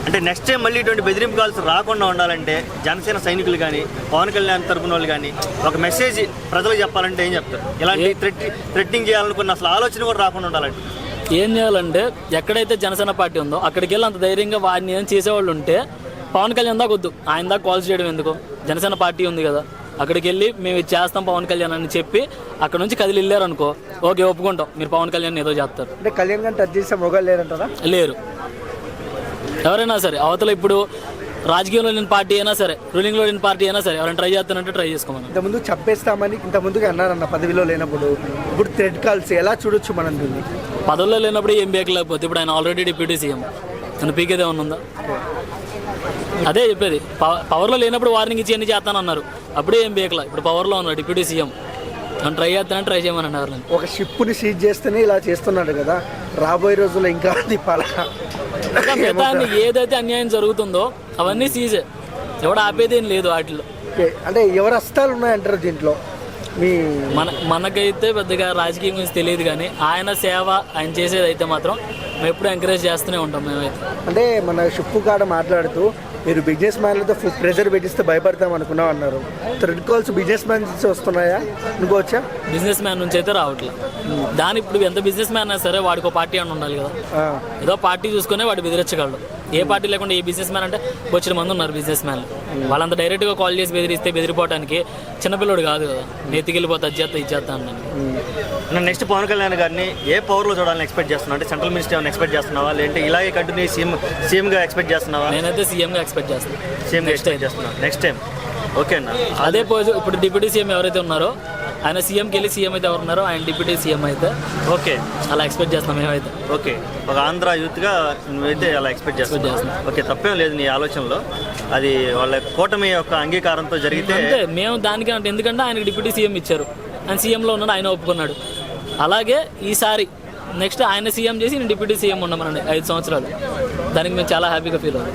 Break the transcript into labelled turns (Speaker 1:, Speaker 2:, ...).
Speaker 1: అంటే next time మళ్ళీ ఇటువంటి బెదిరింపు కాల్స్ రాకుండా ఉండాలంటే జనసేన సైనికులు కానీ పవన్ కళ్యాణ్ తరపున వాళ్ళు కానీ ఒక మెసేజ్ ప్రజలకు చెప్పాలంటే ఏం చెప్తారు? ఇలాంటి థ్రెట్నింగ్ చేయాలనుకున్న అసలు ఆలోచన కూడా రాకుండా ఉండాలంటే
Speaker 2: ఏం చేయాలంటే ఎక్కడైతే జనసేన పార్టీ ఉందో అక్కడికి వెళ్ళి అంత ధైర్యంగా వాడిని ఏం చేసేవాళ్ళు ఉంటే పవన్ కళ్యాణ్ దాకా వద్దు, ఆయన దాకా కాల్స్ చేయడం ఎందుకు? జనసేన పార్టీ ఉంది కదా, అక్కడికి వెళ్ళి మేము ఇది చేస్తాం పవన్ కళ్యాణ్ అని చెప్పి అక్కడ నుంచి కదిలి వెళ్ళారనుకో, ఓకే ఒప్పుకుంటాం, మీరు పవన్ కళ్యాణ్ ఏదో చేస్తారు.
Speaker 3: అంటే కళ్యాణ్ గారిని టచ్ చేసే మొగలు లేరంటారా?
Speaker 2: లేరు. ఎవరైనా సరే అవతల ఇప్పుడు రాజకీయంలో లేని పార్టీ అయినా సరే, రూలింగ్లో లేని పార్టీ అయినా సరే, ఎవరైనా ట్రై చేస్తానంటే ట్రై చేసుకోమని.
Speaker 3: ఇంతకుముందు చంపేస్తామని ఇంతకుముందుగా అన్నారన్న పదవిలో లేనప్పుడు. ఇప్పుడు థ్రెడ్ కాల్స్ ఎలా చూడొచ్చు మనం దీన్ని?
Speaker 2: పదవుల్లో లేనప్పుడు ఏం బేకలేకపోతే ఇప్పుడు ఆయన ఆల్రెడీ డిప్యూటీ సీఎం, నన్ను పీకేదే ఏమన్నా? అదే చెప్పేది, పవర్లో లేనప్పుడు వార్నింగ్ ఇచ్చి అన్ని చేస్తానన్నారు, అప్పుడే ఏం బేకలా. ఇప్పుడు పవర్లో ఉన్నారు డిప్యూటీ సీఎం, నన్ను ట్రై చేస్తానని ట్రై చేయమని అన్నారు.
Speaker 3: ఒక షిప్ని సీజ్ చేస్తేనే ఇలా చేస్తున్నాడు కదా, రాబోయే రోజుల్లో ఇంకా
Speaker 2: ఏదైతే అన్యాయం జరుగుతుందో అవన్నీ సీజే, ఎవడు ఆపేదేం లేదు వాటిలో.
Speaker 3: అంటే ఎవరు హస్తాలు ఉన్నాయంటారు దీంట్లో? మీ
Speaker 2: మనకైతే పెద్దగా రాజకీయం గురించి తెలియదు, కానీ ఆయన సేవ ఆయన చేసేది అయితే మాత్రం మేము ఎప్పుడు ఎంకరేజ్ చేస్తూనే ఉంటాం మేమైతే.
Speaker 3: అంటే మన షిప్పు కాడ మాట్లాడుతూ మీరు బిజినెస్ మ్యాన్లతో ప్రెజర్ పెట్టిస్తే భయపడతాం అనుకున్నాం అన్నారు. థ్రెడ్ కాల్స్ బిజినెస్ మ్యాన్ నుంచి వస్తున్నాయా అనుకోవచ్చా?
Speaker 2: బిజినెస్ మ్యాన్ నుంచి అయితే రావట్లేదు. దాని ఇప్పుడు ఎంత బిజినెస్ మ్యాన్ అయినా సరే వాడికి ఒక పార్టీ అని ఉండాలి కదా, ఏదో పార్టీ చూసుకునే వాడు బెదిరించగలడు. ఏ పార్టీ లేకుండా ఏ బిజినెస్ మ్యాన్ అంటే వచ్చిన మంది ఉన్నారు బిజినెస్ మ్యాన్లు, వాళ్ళంత డైరెక్ట్గా కాల్ చేసి బెదిరిస్తే బెదిరిపోవడానికి చిన్నపిల్లడు కాదు కదా, నెత్తికెళ్ళిపోతే అది చేస్తా ఇది చేస్తా అన్నాను.
Speaker 1: నెక్స్ట్ పవన్ కళ్యాణ్ గారిని ఏ పవర్లో చూడాలని ఎక్స్పెక్ట్ చేస్తున్నావు? అంటే సెంట్రల్ మినిస్టర్ ఏమైనా ఎక్స్పెక్ట్ చేస్తున్నావా, లేదంటే ఇలాగే కంటిన్యూ సీఎంగా ఎక్స్పెక్ట్ చేస్తున్నావా?
Speaker 2: నేనైతే సీఎంగా ఎక్స్పెక్ట్ చేస్తాను.
Speaker 1: సీఎంగా ఎక్స్పెక్ట్ చేస్తున్నాను నెక్స్ట్ టైం. ఓకే అన్న,
Speaker 2: అదే ఇప్పుడు డిప్యూటీ సీఎం ఎవరైతే ఉన్నారో ఆయన సీఎంకి వెళ్ళి సీఎం అయితే ఎవరు ఉన్నారో ఆయన డిప్యూటీ సీఎం అయితే
Speaker 1: ఓకే
Speaker 2: అలా ఎక్స్పెక్ట్ చేస్తున్నాం మేమైతే.
Speaker 1: ఓకే, ఒక ఆంధ్ర యూత్గా నువ్వైతే అలా ఎక్స్పెక్ట్ చేస్తున్నావు. ఓకే, తప్పేం లేదు నీ ఆలోచనలో, అది వాళ్ళ కూటమి యొక్క అంగీకారంతో జరిగితే
Speaker 2: అంటే మేము దానికి అంటే, ఎందుకంటే ఆయనకి డిప్యూటీ సీఎం ఇచ్చారు, ఆయన సీఎంలో ఉన్నాడు, ఆయన ఒప్పుకున్నాడు. అలాగే ఈసారి నెక్స్ట్ ఆయన సీఎం చేసి నేను డిప్యూటీ సీఎం ఉన్నామనండి 5 సంవత్సరాలు, దానికి మేము చాలా హ్యాపీగా ఫీల్ అవుతాం.